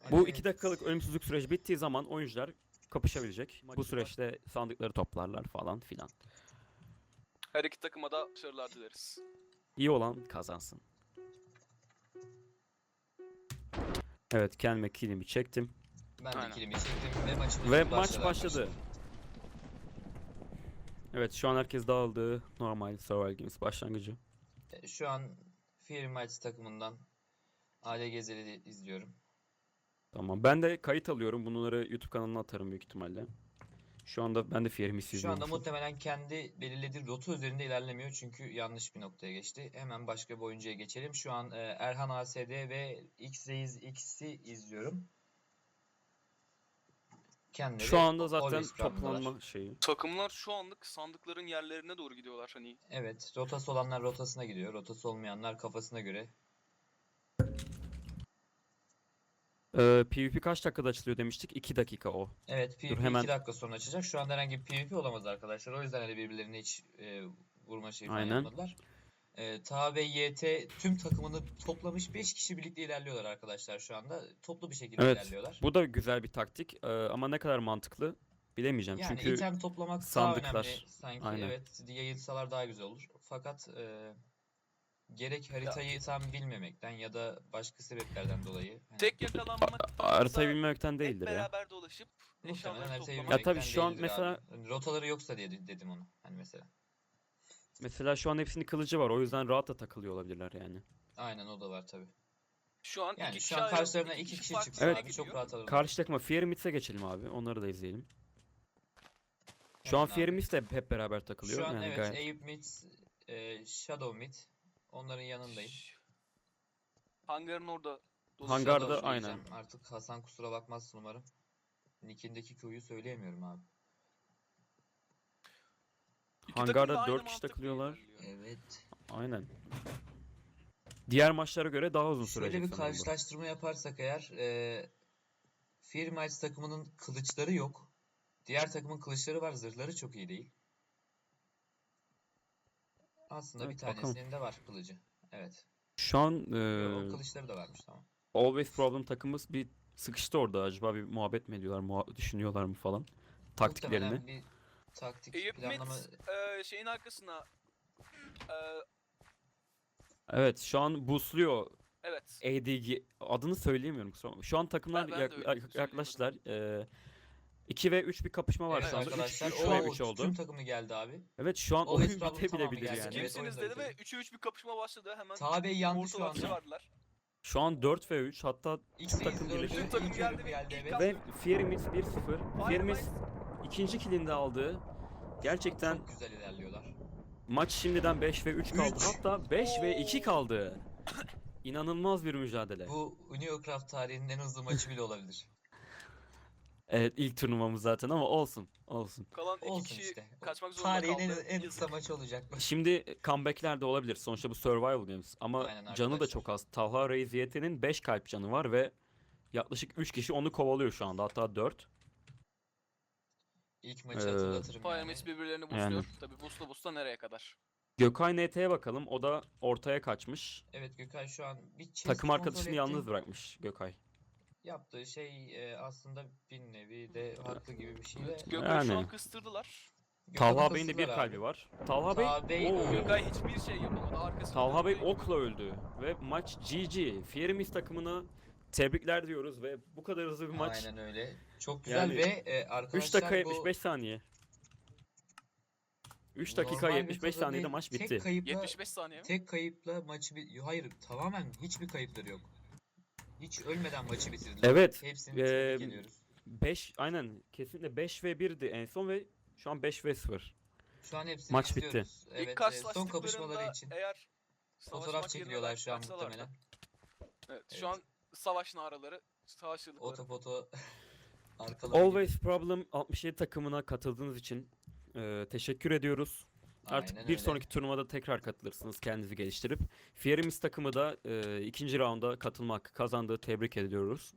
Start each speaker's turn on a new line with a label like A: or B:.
A: Bu 2 dakikalık ölümsüzlük süreci bittiği zaman oyuncular kapışabilecek. Bu süreçte sandıkları toplarlar falan filan.
B: Her iki takıma da başarılar dileriz.
A: İyi olan kazansın. Evet, kendime killimi çektim.
C: Ben de
B: Aynen.
C: kilimi çektim ve maçımız
A: Ve
C: başladı
A: maç başladı.
C: arkadaşlar.
A: Evet, şu an herkes dağıldı. Normal Survival Games başlangıcı.
C: Şu an Fear Mites takımından AD Gezeli izliyorum.
A: Tamam. Ben de kayıt alıyorum. Bunları YouTube kanalına atarım büyük ihtimalle. Şu anda ben de Fear'imi
C: Şu anda
A: izliyorum.
C: muhtemelen kendi belirlediği rota üzerinde ilerlemiyor çünkü yanlış bir noktaya geçti. Hemen başka bir oyuncuya geçelim. Şu an Erhan ASD ve X-Reis X'i izliyorum. Kendileri
A: Şu anda zaten
C: Always Problem'dalar.
A: toplanma şeyi.
B: Takımlar şu anlık sandıkların yerlerine doğru gidiyorlar hani.
C: Evet, rotası olanlar rotasına gidiyor. Rotası olmayanlar kafasına göre.
A: PvP kaç dakikada açılıyor demiştik? 2 dakika o.
C: Evet, PvP
A: hemen-
C: 2 dakika sonra açacak. Şu anda herhangi bir PvP olamaz arkadaşlar. O yüzden hani birbirlerine hiç vurma şeyi falan
A: Aynen.
C: yapmadılar. Taha ve YT tüm takımını toplamış 5 kişi birlikte ilerliyorlar arkadaşlar şu anda. Toplu bir şekilde
A: Evet.
C: ilerliyorlar.
A: Bu da güzel bir taktik. Ama ne kadar mantıklı bilemeyeceğim.
C: Yani
A: Çünkü
C: item toplamak daha
A: sandıklar,
C: önemli sanki.
A: aynen.
C: Evet, yayılsalar daha güzel olur. Fakat gerek haritayı tam bilmemekten ya da başka sebeplerden dolayı hani
B: Tek yakalanmak
A: haritayı bilmemekten
B: hep
A: değildir ya.
B: beraber dolaşıp
C: muhtemelen
B: eşyaları
C: haritayı
B: toplamak.
A: Ya tabii
C: bilmemekten
A: şu an
C: değildir
A: mesela-
C: abi. Hani rotaları yoksa diye dedim onu. Hani mesela.
A: Mesela şu an hepsinin kılıcı var. O yüzden rahat da takılıyor olabilirler yani.
C: Aynen o da var tabii.
B: Şu an
C: Yani
B: iki
C: şu an
B: kişi
C: karşılarına
B: ayrıldı,
C: 2 kişi
B: farklı
C: çıksa
A: Evet.
C: abi çok
B: gidiyor.
C: rahat alırlar.
A: Karşı takıma Fear Myths'e geçelim abi. Onları da izleyelim. Şu an
C: Hemen
A: Fear
C: abi.
A: Myth de hep beraber takılıyor.
C: Şu an
A: Yani
C: evet
A: gayet.
C: Eyüp Mid, Shadow Mid. Onların yanındayım.
B: Hangarın orada
A: Hangarda
C: Shadow
A: aynen.
C: diyeceğim. Artık Hasan kusura bakmazsın umarım. Nick'indeki Q'yu söyleyemiyorum abi.
B: İki takım
A: Hangarda
B: da aynı
A: 4 kişi
B: mantıkla
A: takılıyorlar.
B: ilerliyor.
C: Evet.
A: Aynen. Diğer maçlara göre daha uzun
C: Şöyle
A: sürecek
C: bir
A: sanırım bu.
C: karşılaştırma yaparsak eğer Fear Mites takımının kılıçları yok. Diğer takımın kılıçları var. Zırhları çok iyi değil. Aslında bir
A: Evet, bakalım.
C: tanesinin de var kılıcı. Evet.
A: Şu an
C: O kılıçları da varmış tamam.
A: Always Problem takımımız bir sıkıştı orada. Acaba bir muhabbet mi ediyorlar, düşünüyorlar mı falan. Taktiklerini.
C: Muhtemelen bir taktik
B: Eyüp
C: planlama.
B: şeyin arkasına e,
A: Evet, şu an boostluyor
B: evet.
A: ADG. Adını söyleyemiyorum kusura bakma. Şu an takımlar
B: Ben de öyle söyleyemiyorum.
A: yaklaştılar. 2 ve 3 bir kapışma var
C: Evet
A: şu anda. 3
C: arkadaşlar.
A: ve
C: O
A: 3 oldu.
C: tüm takımı geldi abi.
A: Evet, şu an
C: Always
A: oyun
C: Problem tamamı
A: bitebilir
C: geldi.
A: yani.
C: Evet,
B: Kimsiniz
C: oyun
B: dedi
C: da
B: ve
C: bitti.
B: 3'e 3 bir kapışma başladı. Hemen
C: Taha Bey yandı şu
B: ortadan
C: anda.
B: çıkardılar.
A: Şu an 4 ve 3, hatta tüm
C: X-Reis
A: takım
C: öldü.
A: birleşti.
B: Tüm takım
C: İlk
B: geldi
C: ölüm
B: ve
C: geldi
B: ilk
C: evet.
A: Ve Fear Myth 1-0. Fear Myth
B: Firemice
A: ikinci killini aldı. Gerçekten
C: Çok güzel ilerliyorlar.
A: maç şimdiden 5 ve 3 kaldı.
C: Üç.
A: Hatta 5 ve 2 kaldı. İnanılmaz bir mücadele.
C: Bu Uniocraft tarihinin en hızlı maçı bile olabilir.
A: Evet, ilk turnuvamız zaten ama olsun. Olsun.
B: kalan iki
C: Olsun
B: kişi
C: işte.
B: kaçmak zorunda
C: Tarihin
B: kaldı.
C: en kısa
B: Yazık.
C: maçı olacak bu.
A: Şimdi comeback'ler de olabilir. Sonuçta bu Survival Games. Ama
C: Aynen
A: canı da
C: arkadaşlar.
A: çok az. Talha Reis YT'nin 5 kalp canı var ve yaklaşık 3 kişi onu kovalıyor şu anda. Hatta 4.
C: İlk maçı hatırlatırım yani.
B: Firemice birbirlerini
A: Yani.
B: boostluyor. Tabi boostla nereye kadar?
A: Gökay NT'ye bakalım. O da ortaya kaçmış.
C: Evet Gökay şu an bir chest
A: Takım
C: kontrol
A: arkadaşını
C: etti.
A: yalnız bırakmış Gökay.
C: Yaptığı şey aslında bir nevi de haklı gibi bir şey de.
B: Gökay'ı şu
A: Yani.
B: an kıstırdılar.
C: Gökhan'ı
A: Talha Bey'in de bir
C: kıstılar
A: kalbi
C: abi.
A: var. Talha
C: Talha
A: Bey,
C: Bey
A: Oo.
C: öldü.
B: Gökay hiçbir şey yapamadı. Arkasında
A: Talha Bey
B: döndü.
A: okla öldü ve maç GG. Fearimiz takımına tebrikler diyoruz ve bu kadar hızlı bir maç.
C: Aynen öyle. Çok güzel
A: Yani
C: ve
A: 3
C: arkadaşlar
A: dakika 75
C: bu
A: saniye. 3 dakika
C: normal bir
A: 75
C: tadı
A: saniyede
C: değil.
A: maç bitti.
C: Tek kayıpla
B: 75 saniye mi?
C: tek kayıpla maçı hayır tamamen hiçbir kayıpları yok. Hiç ölmeden maçı bitirdiler.
A: Evet.
C: Hepsini tebrik ediyoruz.
A: 5 aynen kesinlikle 5 ve 1'di en son ve şu an 5 ve 0.
C: Şu an hepsini
A: Maç bitti.
C: izliyoruz.
B: İlk
C: Evet, son
B: karşılaştıklarında
C: kapışmaları için
B: eğer
C: fotoğraf
B: savaşmak
C: çekiliyorlar
B: yerine
C: şu an
B: kaçsalardı.
C: muhtemelen.
B: Evet,
C: Evet.
B: şu an savaş naraları, savaşçılıkları.
C: Otofoto arkaları gibi.
A: Always Problem 67 takımına katıldığınız için teşekkür ediyoruz. Artık
C: Aynen
A: bir
C: öyle.
A: sonraki turnuvada tekrar katılırsınız kendinizi geliştirip. Fearimiz takımı da ikinci raunda katılma hakkı kazandığı tebrik ediyoruz.